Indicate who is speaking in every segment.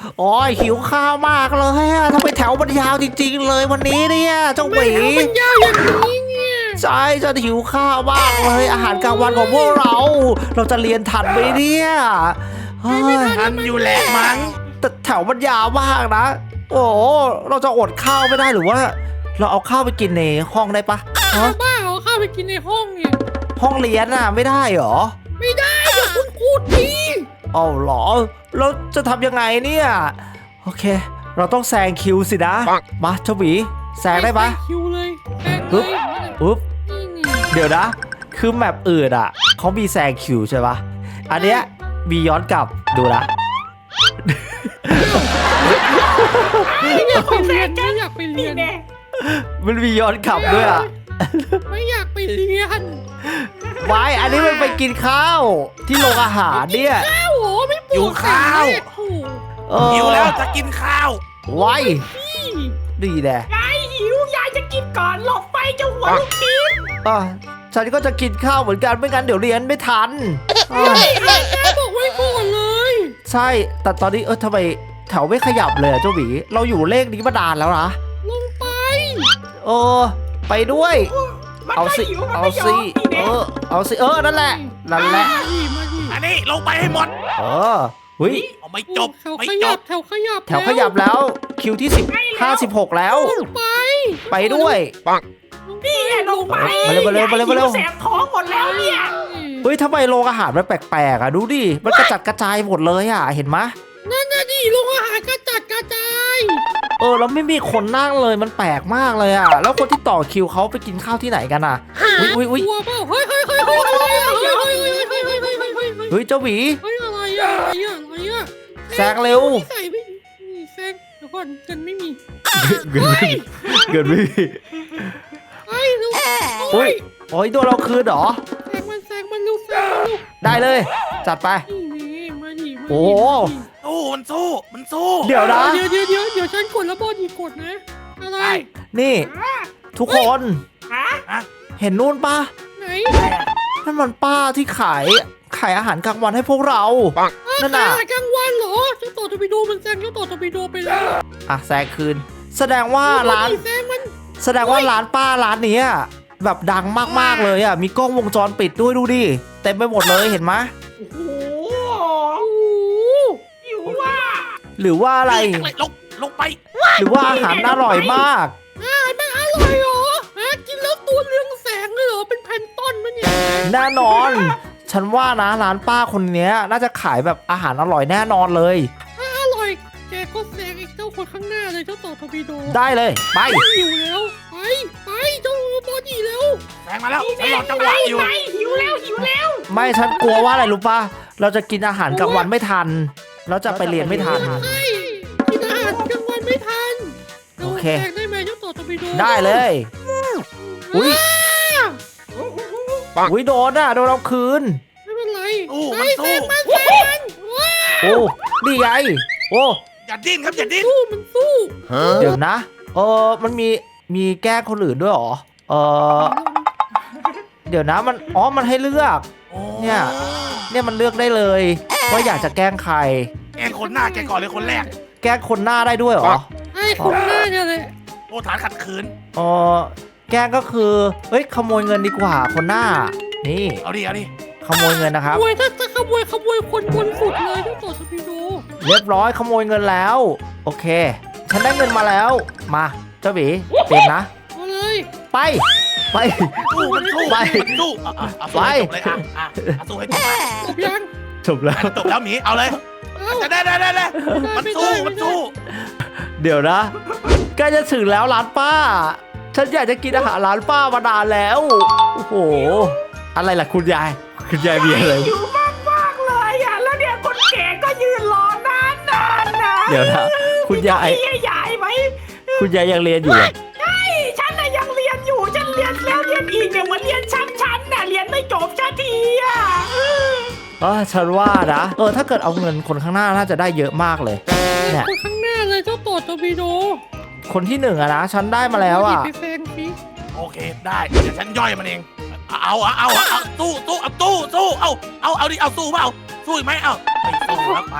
Speaker 1: โอ้ยหิวข้าวมากเลยอะทำไมแถวมันยาวจริงๆเลยวันนี้เนี่ยเจ้าหมี
Speaker 2: มันยาวอย่างนี้เนี่ย
Speaker 1: ใช่ฉันหิวข้าวมากเลยอาหารกลางวันของพวกเราจะเรียนทันไหมเนี่ยเฮ้ย
Speaker 3: ทันอยู่แหละมั้ง
Speaker 1: แต่แถวมันยาวมากนะโอ้เราจะอดข้าวไม่ได้หรือว่า เราเอาข้าวไปกินในห้องได้ปะฮะ
Speaker 2: บ้าเอาข้าวไปกินในห้องเนี่ย
Speaker 1: ห้องเรียนน่ะไม่ได้เหรอ
Speaker 2: ไม่ได้เดี๋ยวคุณครูที
Speaker 1: เอาเหรอแล้วจะทำยังไงเนี่ยโอเค เราต้องแซงคิวสินะมาเจ้าหมีแซงได้ปะ
Speaker 2: คิวเลยแซงเล
Speaker 1: ปึ๊บ
Speaker 2: ย
Speaker 1: อุ๊บ
Speaker 2: นี่
Speaker 1: เดี๋ยวนะ คือแมปอื่นอ่ะเขามีแซงคิวใช่ปะอันเนี้ยมีย้อนกลับดูนะ
Speaker 2: อยากไปเรียนไม่อยากไปเรียน
Speaker 1: มันมีย้อนกลับด้วยอ่ะ
Speaker 2: ไม่อยากไปเรียน
Speaker 1: ไว้อันนี้มันไปกินข้าวที่โรงอาหารเนี่ย
Speaker 2: ข้าวโหไม่ปวด
Speaker 3: หิวข้าว
Speaker 2: โอ้
Speaker 3: หิวแล้วจะกินข้าว
Speaker 1: ไว้
Speaker 2: พี่
Speaker 1: ดีแน่
Speaker 4: ยายหิวยายจะกินก่อนหลบไปเจ้าหัวลูกชิ้น
Speaker 1: อ่ะฉันก็จะกินข้าวเหมือนกันไม่งั้นเดี๋ยวเรียนไม่ทันอ่ะ
Speaker 2: แม่บอกไว้ก่อนเลย
Speaker 1: ใช่แต่ตอนนี้ทำไมแถวไม่ขยับเลยอะเจ้าหมีเราอยู่เลขนี้มานานแล้วนะ
Speaker 2: ลงไป
Speaker 1: เออไปด้วย
Speaker 4: มัน
Speaker 1: เอา
Speaker 4: ไม่
Speaker 1: สิ
Speaker 4: หิวมัน
Speaker 1: เอา
Speaker 4: ไม่ยอ
Speaker 1: สิ
Speaker 4: มนี่แน่
Speaker 1: เอาสินั่นแหละนั่นแหละ
Speaker 2: มาดิ
Speaker 3: อันนี้ลงไปให้หมด
Speaker 1: เออหุย
Speaker 3: เอาไม่จบ
Speaker 2: แถว
Speaker 3: ไม่
Speaker 2: ข
Speaker 3: จ
Speaker 2: ยั
Speaker 3: บบ
Speaker 2: แถวขยับ
Speaker 1: แถวขยับแล้วคิวที่16แล้ว
Speaker 2: ลงไป
Speaker 1: ไปด้วย
Speaker 4: นี่แหละลงไป
Speaker 1: มาเร็วมาเร็วมาเร็วมาเร็ว
Speaker 4: แสบท้องหมดแล้วเนี่ย
Speaker 1: เฮ้ยทำไมโรงอาหารมันแปลกๆอ่ะดูดิมันกระจัดกระจายหมดเลยอ่ะเห็นไหม
Speaker 2: นั่นน่ะดิโรงอาหารกระจัดกระจาย
Speaker 1: แล้วไม่มีคนนั่งเลยมันแปลกมากเลยอ่ะแล้วคนที่ต่อคิวเขาไปกินข้าวที่ไหนกันอ่ะอุ้ย
Speaker 2: กลัวเปล่าเฮ้ยอะไรอะเฮ้ย
Speaker 1: เฮ้ยเจ้าหวี
Speaker 2: อะไรอะอะไรอะ
Speaker 1: แซงเร็ว
Speaker 2: ใส่ไม่แซงเดี๋ยวก่อนเงินไม่มี
Speaker 1: เกินไม่มี
Speaker 2: ไอ้ลูก
Speaker 1: โอ้ยโอ้ยโดนเราคืนเหรอ
Speaker 2: แซงมันลูกแซงมันลูก
Speaker 1: ได้เลย จัดไป
Speaker 2: นี่มาดิ
Speaker 1: โอ้
Speaker 3: สู้มันสู้มันสู้
Speaker 1: เดี๋ยวนะ
Speaker 2: เดี๋ยวฉันกดแล้วบอลอีกกดนะอะไร
Speaker 3: ได้
Speaker 1: นี่ ทุกคน
Speaker 4: ฮะ
Speaker 1: เห็นนู่นปะ
Speaker 2: ไหน
Speaker 1: นั่นมันป้าที่ขายอาหารกลางวันให้พวกเรา นั่นน่ะ
Speaker 2: กลางวันเหรอเจ้าต่อตบิโดมันแซงเจ้าต่อตบิโดไปแล้ว
Speaker 1: อ่ะแซงคืน แสดงว่าร้าน
Speaker 2: แซงมัน
Speaker 1: แสดงว่าร้านป้าร้านนี้อะแบบดังมากๆเลยอ่ะมีกล้องวงจรปิดด้วยดูดิเต็มไปหมดเลยเห็นไหม
Speaker 4: โอ้โห
Speaker 2: โอ้
Speaker 4: หิวว่ะ
Speaker 1: หรือว่าอะไร
Speaker 3: ลงไป
Speaker 1: หรือว่าอาหารอร่อยมาก
Speaker 2: มันอร่อยเหรอฮะกินแล้วตัวเรืองแสงเลยเหรอเป็นแพนต้นมันเนี่ย
Speaker 1: แน่นอน ฉันว่านะร้านป้าคนเนี้ยน่าจะขายแบบอาหารอร่อยแน่นอนเลย
Speaker 2: ถ้าอร่อยแกก็แซงไอ้เจ้าคนข้างหน้าเลยเจ้าต่อทบิโด
Speaker 1: ได้เลยไป
Speaker 2: หิวแล้วไปเจ้าบอดี้แล้ว
Speaker 3: แซงมาแล้ว
Speaker 4: นี่
Speaker 3: ฉัน
Speaker 4: แน่
Speaker 3: รอจังหวะอยู่
Speaker 4: ไปหิวแล้วหิวแล้ว
Speaker 1: ไม่ฉันกลัวว่าอะไรรู้ป่ะเราจะกินอาหารกลางวันไม่ทันเราจะไปเรียนไม่ทัน
Speaker 2: ใช่กินอาหารกลางวันไม่ทัน
Speaker 1: โอเค
Speaker 2: แซงได้ไหมเจ้าต่อทบิโด
Speaker 1: ได้เลยอุ้ย
Speaker 2: อ้าว
Speaker 1: อุ้ยโดนเราคืน
Speaker 2: ไม่เป็นไร
Speaker 3: สู้มันสู้
Speaker 2: แซงมันว้า
Speaker 1: โอ้นี่ไงโอ้
Speaker 3: อย่าดิ้นครับอย่าดิ้น
Speaker 2: สู้มันสู้
Speaker 1: เดี๋ยวนะมันมีแก้คนอื่นด้วยเหรอเดี๋ยวนะมันให้เลือก เนี่ย เนี่ยมันเลือกได้เลยว่าอยากจะแกล้งใคร
Speaker 3: แกคนหน้าแกก่อนเลยคนแรก
Speaker 1: แกล้งคนหน้าได้ด้วยเหรอ
Speaker 2: ไอ้คนหน้าเนี่ยเลย
Speaker 3: โอ้ฐานขัดขืน
Speaker 1: แกล้งก็คือเฮ้ยขโมยเงินดีกว่าคนหน้านี่
Speaker 3: เอาดิเอาดิ
Speaker 1: ขโมยเงินนะครับ
Speaker 2: ขโมยถ้าขโมยคนบนสุดเลยเจ้าต่อทบิโด
Speaker 1: เรียบร้อยขโมยเงินแล้ว โอเค ฉันได้เงินมาแล้วมาเจ้าบีเต็มนะ
Speaker 2: เอาเลย
Speaker 1: ไป
Speaker 3: สู้มันสู้
Speaker 1: ไป
Speaker 3: มันสู้เอาสู้ให้จบเลยสู้ให้จบเลย
Speaker 2: จบยัง
Speaker 1: จบแล้ว
Speaker 3: จบแล้วหมีเอาเลย
Speaker 2: เอ้า
Speaker 3: ได้มันสู้มันสู้
Speaker 1: เดี๋ยวนะใกล้จะถึงแล้วร้านป้า ฉันอยากจะกินอาหารร้านป้ามานานแล้วโอ้โหอะไรล่ะคุณยายมีอะไร
Speaker 4: หิวมากๆเลยอ่ะแล้วเนี่ยคนแก่ก็ยืนรอนานนะ
Speaker 1: เดี๋ยวนะคุณยาย
Speaker 4: มีใหญ่ไหม
Speaker 1: คุณยายยังเรียนอยู่เหรอ
Speaker 4: ใช่ฉันน่ะยังเรียนอยู่ฉันเรียนแล้วเรียนอีกเนี่ยเหมือนเรียนชั้นน่ะเรียนไม่จบสักทีอ่ะ
Speaker 1: ฉันว่านะถ้าเกิดเอาเงินคนข้างหน้าน่าจะได้เยอะมากเลยเนี่ย
Speaker 2: คนข้างหน้าเลยเจ้าต่อทบิโด
Speaker 1: คนที่หนึ่งอะนะฉันได้มาแล้วอะ
Speaker 2: ไปแซงสิ
Speaker 3: โอเคได้เดี๋ยวฉันย่อยมันเองเอาสู้เอาดิเอาสู้เปล่าสู้อีกไหมเอาไปสู้ครับไป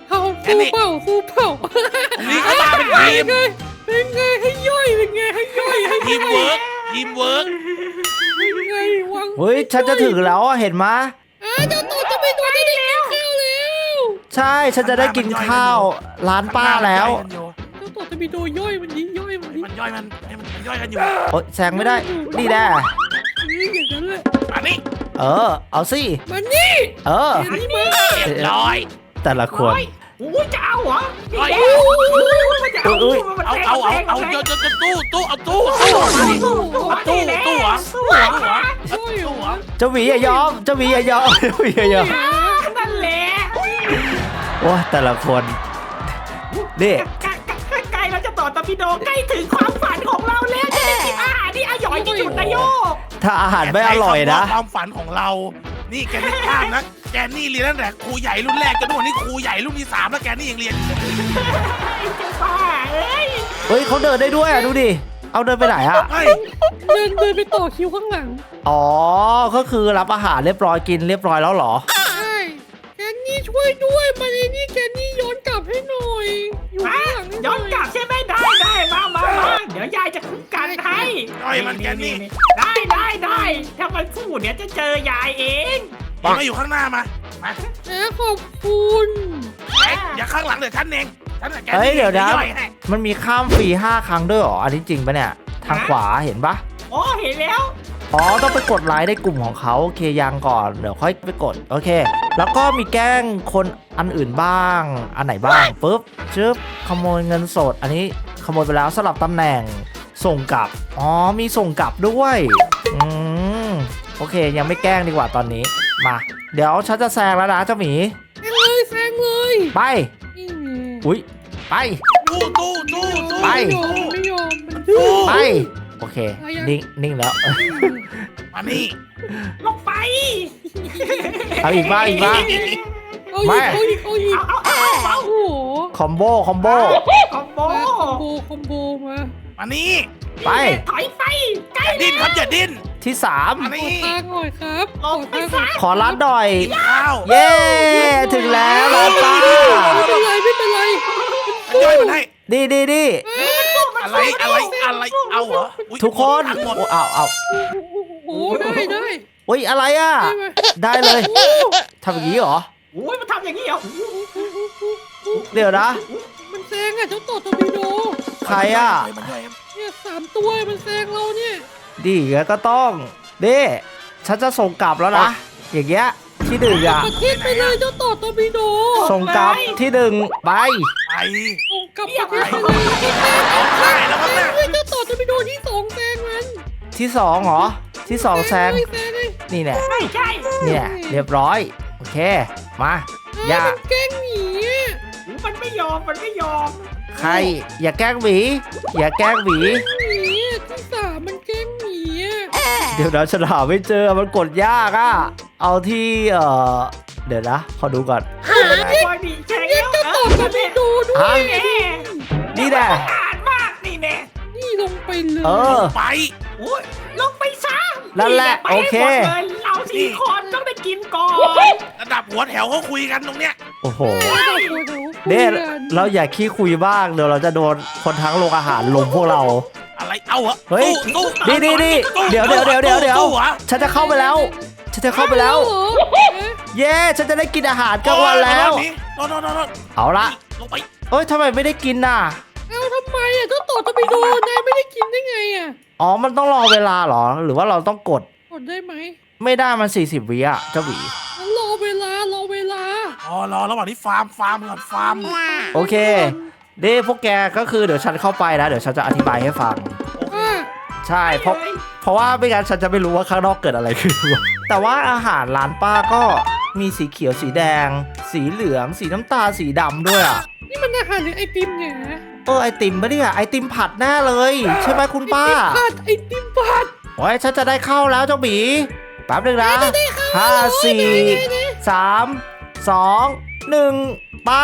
Speaker 2: เอาสู้เปล่าสู้เปล่า
Speaker 3: ตรงนี้ก็มาเป็นทีม
Speaker 2: เป็นไงให้ย่อยเป็นไงให้ย่อยให้
Speaker 3: ทีม
Speaker 2: ย่อย
Speaker 3: เวิร์กทีมเวิร์ก
Speaker 2: เป็นไงวัง
Speaker 1: เฮ้ยฉันจะถึงแล้วอะเห็นไหมย
Speaker 2: เจ้าต่อจะไปตัวจะได้กินข้าวแล้ว
Speaker 1: ใช่ฉันจะได้กินข้าวร้านป้าแล้ว
Speaker 2: เจ้าต่อจะมีโดย่อยมันนี้ย่อยมันนี้
Speaker 3: มันย่อยมันย่อยกันอยู่
Speaker 1: โอ๊ยแซงไม่ได้นี่แน่
Speaker 2: อย่างนั้นแหละ
Speaker 3: มานี่
Speaker 1: เอาสิ
Speaker 2: มันนี่
Speaker 1: เออ
Speaker 2: นี่มา
Speaker 3: เรียบร้อย
Speaker 1: แต่ละคน
Speaker 4: อุ้ยจะเอาเหรอ
Speaker 3: ร้อย
Speaker 4: มันจะเอา
Speaker 1: อุ้ย
Speaker 3: เอาจะตู้เอาตู้ตู้เหรอ
Speaker 2: ช่วยเหรอ
Speaker 1: เจ้าหวีอย่ายอมเจ้าหวีอย่ายอมเจ้าหวีอย่ายอม
Speaker 4: นั่นแหละ
Speaker 1: โอ้ยแต่ละคนนี่
Speaker 4: ใกล้เราจะต่อตอร์ปิโดใกล้ถึงความฝันของเราแล้วจะได้กินอาหารที่อร่อยที่สุดนายโยก
Speaker 1: ถ้าอาหารไม่อร่อยนะ
Speaker 3: ความฝันของเรา นี่แกไม่พลาดนะแกนี่เรียนตั้งแต่ครูใหญ่รุ่นแรกจนถึงวันนี้ครูใหญ่รุ่นที่3แล้วแกนี่ยังเรียนอยู่
Speaker 4: ป้าเอ้ย
Speaker 1: เฮ้ยเขาเดินได้ด้วยอ่ะดูดิเอาเดินไปไหนอ่ะ
Speaker 3: เฮ้ย
Speaker 2: เดินไปต่อคิวข้างหลัง
Speaker 1: อ๋อก็คือรับอาหารเรียบร้อยกินเรียบร้อยแล้วเหรอ
Speaker 2: ใช่แกนี่ช่วยด้วยมาเลยนี่แกนี่ย้อนกลับให้หน่อยอยู่
Speaker 4: มา
Speaker 2: ข้างหลังให้ห
Speaker 4: ย้อนกลับใช่ไหมได้มาเดี๋ยวยายจะคุ้มกันให้
Speaker 3: ย่อยมันแกนี่
Speaker 4: ได้ถ้ามันพูดเดี๋ยวจะเจอยายเอง
Speaker 3: มาอยู่ข้างหน้ามา
Speaker 2: ขอบคุณ
Speaker 3: อย่าข้างหลังเดี๋ยวฉันเองฉันแก
Speaker 1: เฮ้ยเดี๋ยวนะ
Speaker 3: ย่อยให้
Speaker 1: มันมีข้ามฟรี5 ครั้งด้วยเหรออันนี้จริงปะเนี่ยทางขวาเห็นปะ
Speaker 4: อ๋อเห็นแล้ว
Speaker 1: อ๋อต้องไปกดไลค์ในกลุ่มของเขาโอเคยังก่อนเดี๋ยวค่อยไปกดโอเค แล้วก็มีแกล้งคนอันอื่นบ้างอันไหนบ้างปุ๊บชึบขโมยเงินสด อันนี้ขโมยไปแล้วสลับตำแหน่งส่งกลับอ๋อมีส่งกลับด้วยโอเคยังไม่แกล้งดีกว่าตอนนี้มาเดี๋ยวฉันจะแซงแล้วนะเจ้าหมี
Speaker 2: แซงเลย
Speaker 1: ไป
Speaker 2: นี่ไง
Speaker 1: อุ้ยไป
Speaker 3: ตู้
Speaker 1: ไป
Speaker 2: ไม่ยอมมันดื้อ
Speaker 1: ไปโอเคนิ่งแล้ว
Speaker 3: มานี่
Speaker 4: ลงไป
Speaker 1: เอาอีกบ้าง
Speaker 2: เอาอีก
Speaker 1: ไม่
Speaker 2: เอาอีก
Speaker 4: เอา
Speaker 2: โอ้โห
Speaker 1: คอมโบ
Speaker 4: คอมโบ
Speaker 2: คอมโบมา
Speaker 3: มานี่
Speaker 1: ไป
Speaker 4: ถอยไปใกล้
Speaker 3: อย่าดิ้นครับอย่าดิ้น
Speaker 1: ที่
Speaker 3: มา
Speaker 2: ขอ
Speaker 3: นี่
Speaker 2: ทางหน่อยครับ
Speaker 4: ลงไปซะ
Speaker 1: 3 ขอรัดหน่อย
Speaker 3: ข้าว
Speaker 1: เย้ถึงแล้วร้านป้า
Speaker 2: ไม่เป็นไรไม่เป็นไร
Speaker 3: ย่อยมันให้
Speaker 1: ดี
Speaker 3: อะไรเอาเหรออุ๊ย
Speaker 1: ทุกคน
Speaker 3: ทั้งหมด
Speaker 1: โอ้เอา
Speaker 2: โอ้โหได้
Speaker 1: โอ้ยอะไรอ่ะ
Speaker 2: ได้ไหม
Speaker 1: ได้เลยทำอย่างนี้เหรอ
Speaker 4: โอ้ยมันทำอย่างนี้เหรอ
Speaker 1: เดี๋ยวนะ
Speaker 2: มันแซงอ่ะเจ้าต่อตอร์ปิโด
Speaker 1: ใครอ่ะ
Speaker 3: มันย่อย
Speaker 2: เนี่ย3 ตัวมันแซงเราเนี่ย
Speaker 1: ดีงั้นก็ต้องดิฉันจะส่งกลับแล้วนะ อย่างเงี้ยที่1อ่ะ
Speaker 2: ประเทศไปเลยเจ้าต่อตอร์ปิโด
Speaker 1: ส่งกลับที่1ไป
Speaker 3: ไป
Speaker 2: ส่งกลับประเทศไปเลย
Speaker 3: ใช่แล้วมั้งเนี่ย
Speaker 2: เฮ้ยเจ้าต่อตอร์ปิโดที่2แซงมัน
Speaker 1: ที่2เหรอที่2แซง
Speaker 2: แซงเลย
Speaker 1: นี่แน่
Speaker 4: ใช่
Speaker 1: เนี่ยเรียบร้อยโอเคมาอย่า
Speaker 2: มันแกล้งหนีอ่ะ
Speaker 4: มันไม่ยอม
Speaker 1: ใครอย่าแกล้งหมีอย่าแกล้งหมี
Speaker 2: หนีอ่ะที่3มันแกล้งหนีอ่ะ
Speaker 1: เดี๋ยวนะฉันหาไม่เจอมันกดยากอ่ะเอาที่เดี๋ยวนะขอดูก่อน
Speaker 4: บอยบีแข่ง
Speaker 2: เรียก
Speaker 4: แล้ว
Speaker 2: เจ้าต่อตอร์ปิโดด้วย
Speaker 1: ฮะ นี่แน่
Speaker 4: อ่านมากนี่แน่
Speaker 2: นี่ลงไปเลย
Speaker 1: เออ
Speaker 3: ไป
Speaker 4: โอ้ยลงไปซะ
Speaker 1: นั่นแหละ
Speaker 4: ไป
Speaker 1: โอ
Speaker 4: ให้
Speaker 1: เค
Speaker 4: หมดเลยเรา4 คนต้องได้กินก่อน
Speaker 3: ระดับหัวแถวเขาคุยกันตรงเนี้ย
Speaker 1: โอ้โห
Speaker 2: เดี๋
Speaker 1: เนี่ย
Speaker 2: ยว
Speaker 1: เราอย่าขี้คุยบ้างเดี๋ยวเราจะโดนคนทั้งโรงอาหารลุมพวกเรา
Speaker 3: อะไรเอาเหรอ
Speaker 1: เฮ้ย
Speaker 3: ตู้
Speaker 1: ดีเดี๋ยว
Speaker 3: ตู้เหรอ
Speaker 1: ฉันจะเข้าไปแล้ว ฉันจะเข้าไปแล้ว
Speaker 2: เหรอ
Speaker 1: เย้ฉันจะได้กินอาหารกลางวันแล้ว
Speaker 3: โน่น
Speaker 1: เอาละ
Speaker 3: ลงไป
Speaker 1: เอ้ยทำไมไม่ได้กินน่ะ
Speaker 2: เอาทำไมอ่ะเจ้าต่อตอร์ปิโดนายไม่ได้กินได้ไงอ่ะ
Speaker 1: อ๋อมันต้องรอเวลาเหรอ หรือว่าเราต้องกด
Speaker 2: กดได้ไหม
Speaker 1: ไม่ได้มัน40 วิอะเจ้าหวี
Speaker 2: งั้นรอเวลา
Speaker 3: รอระหว่างที่ฟาร์มก่อนฟาร์ม
Speaker 1: โอเคเด้พวกแกก็คือเดี๋ยวฉันเข้าไปนะเดี๋ยวฉันจะอธิบายให้ฟัง
Speaker 2: อ่ะ
Speaker 1: ใช่เพราะว่าไม่งั้นฉันจะไม่รู้ว่าข้างนอกเกิดอะไรขึ้น แต่ว่าอาหารร้านป้าก็มีสีเขียวสีแดง สีเหลือง สีน้ำตาลสีดำด้วยอ่ะ
Speaker 2: นี่มันอาหารหรือไอติมเนี่ยนะ
Speaker 1: ไอติมปะเนี่ยไอติมผัดแน่เลย ใช่ไหมคุณป้า
Speaker 2: ไอติมผัด
Speaker 1: โอ้ยฉันจะได้เข้าแล้วเจ้าหมีแป๊บนึงนะ
Speaker 2: ได้เข้า
Speaker 1: 5 4 3 2 1ไป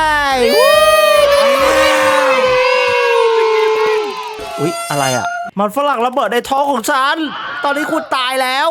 Speaker 1: อุ๊ยอะไรอ่ะมันฝรั่งระเบิดในท้องของฉัน ตอนนี้คุณตายแล้ว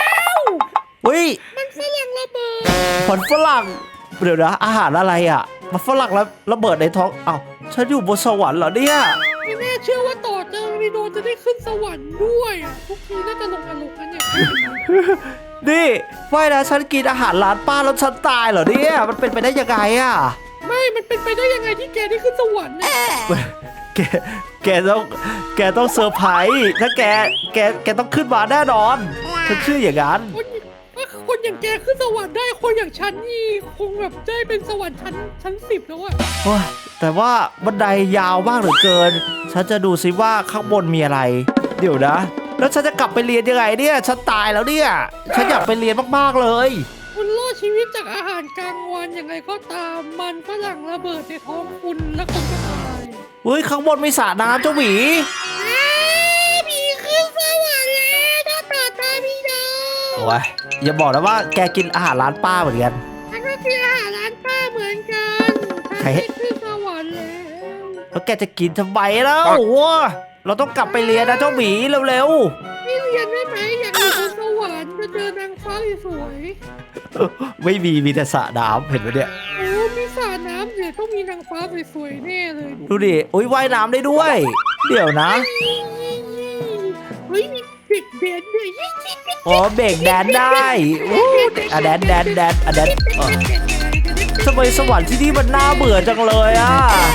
Speaker 1: อุ๊ย
Speaker 2: มันฝรั่งระเบิด
Speaker 1: ผลฝรั่งเดี๋ยวนะอาหารอะไรอ่ะมันฝรั่งแล้วระเบิดในท้องอ้าวฉันอยู่บนสวรรค์เหรอเนี่ย
Speaker 2: ไม่แน่เชื่อว่าต่อเจอรีโดจะได้ขึ้นสวรรค์ด้วยอะทุกทีน่าจะลงนรกกันเนี่ย
Speaker 1: นี่ไม่นะฉันกินอาหารร้านป้าแล้วฉันตายเหรอเนี่ยมันเป็นไปได้ยังไงอะ
Speaker 2: ไม่ มันเป็นไปได้ยังไงที่แกได้ขึ้นสวรรค์เนี่ย
Speaker 1: แกแกต้องเซอร์ไพรส์ถ้าแกต้องขึ้นมาแน่นอนฉันเชื่ออย่างนั้น
Speaker 2: คนอย่างแกขึ้นสวรรค์ได้คนอย่างฉันนี่คงแบบได้เป็นสวรรค์ชั้น10แล้วอะ
Speaker 1: โอ้ยแต่ว่าบันไดยาวมากเหลือเกิน ฉันจะดูซิว่าข้างบนมีอะไร เดี๋ยวนะ แล้วฉันจะกลับไปเรียนยังไงเนี่ยฉันตายแล้วเนี่ยฉันอยากไปเรียนมากๆเลย
Speaker 2: คุณรอดชีวิตจากอาหารกลางวันยังไงก็ตามมันฝรั่งระเบิดในท้องคุณแล้วคุณก็ตาย
Speaker 1: เฮ้ยข้างบนมีสระน้ำเจ้าหมี
Speaker 2: ผีขึ้นสวรรค์แล้วหน้าตาตาพี่ดาว
Speaker 1: โอ้ยอย่าบอกนะว่าแกกินอาหารร้านป้าเหมือนกัน
Speaker 2: ฉันก็กินอาหารร้านป้าเหมือนกันฉันได้ขึ้นสวรรค์แล้ว
Speaker 1: แล้วแกจะกินทำไมแล้วเราต้องกลับไปเรียนนะเจ้าหมีเร็ว
Speaker 2: ไม่เรียนได้ไหมอยากอยู่บนสวรรค์จะเจอนางฟ้าสวย
Speaker 1: ๆไม่มีแต่สระน้ำเห็นไหมเนี่ย
Speaker 2: โอ้มีสระน้ำเดี๋ยวต้องมีนางฟ้าสวยๆแน่เลย
Speaker 1: ดูดิอุ้ยว่ายน้ำได้ด้วย เดี๋ยวนะ
Speaker 2: เฮ้ยมีเด็กเด่นด้วย
Speaker 1: อ๋อเบรกแดนได้อู้อ่ะแดนอ่ะแดนทำไมสวรรค์ที่นี่มันน่าเบื่อจังเลยอ่ะ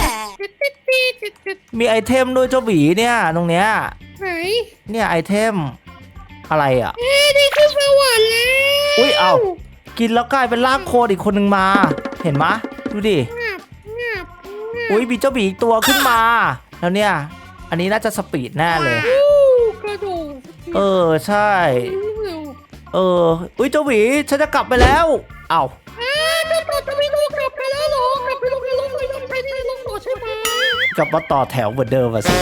Speaker 1: มีไอเทมด้วยเจ้าหมีเนี่ยตรงเนี้ย
Speaker 2: ไหน
Speaker 1: เนี่ยไอเทมอะไรอ่ะ
Speaker 2: ได้ขึ้นสวรรค์แล้ว
Speaker 1: อุ้ยเอากินแล้วกลายเป็นร่างโคลนอีกคนหนึ่งมา เห็นมะดูดิ
Speaker 2: งับงับ
Speaker 1: อุ้ยมีเจ้าหมีอีกตัวขึ้นมา แล้วเนี่ย อันนี้น่าจะสปีดแน่เลย
Speaker 2: กระโดด
Speaker 1: เออใช่
Speaker 2: เร็ว
Speaker 1: อุ้ยเจ้าหมีฉันจะกลับไปแล้ว เอ้า
Speaker 2: จะไม่ลูกกลับไปแล้วหรอกลับไปลงในรถเลยต้องใช้ในรถต่อใช่ไหม
Speaker 1: กลับมาต่อแถวเหมือนเดิมอะสิ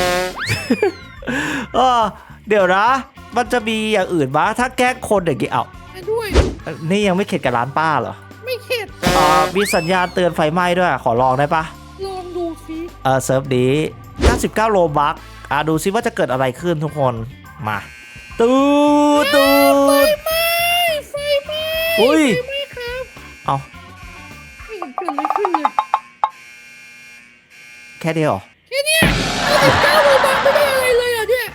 Speaker 1: เดี๋ยวนะ มันจะมีอย่างอื่นมะถ้าแกล้งคนอย่างงี้เอ้า
Speaker 2: ด้วย
Speaker 1: นี่ยังไม่เข็ดกับร้านป้าเหรอ
Speaker 2: ไม่เข็ด
Speaker 1: มีสัญญาณเตือนไฟไหม้ด้วย ขอลองได้ปะ
Speaker 2: ลองดูสิ
Speaker 1: เซิร์ฟนี้99โลบัคดูซิว่าจะเกิดอะไรขึ้นทุกคน มาตูด
Speaker 2: ไฟไหม้
Speaker 1: อุ้ย
Speaker 2: ไฟไหม้ครับ
Speaker 1: เอา
Speaker 2: ไม่เห็นเกิดอะไรขึ้นเลย
Speaker 1: แค่เดียวเหรอ
Speaker 2: แค่เนี้ย99โลบาทไม่ได้อะไรเลยอ่ะเนี่ย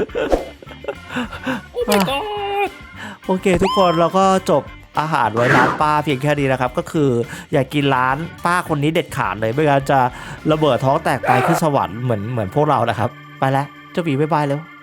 Speaker 2: โอ้ my god
Speaker 1: โอเคทุกคนเราก็จบอาหารไว้ร้านป้าเพียงแค่นี้นะครับ ก็คืออย่ากินร้านป้าคนนี้เด็ดขาดเลยไม่งั้นจะระเบิดท้องแตกตายขึ้นสวรรค์เหมือนพวกเรานะครับ ไปแล้วเจ้าหมีบ๊ายบายแล้ว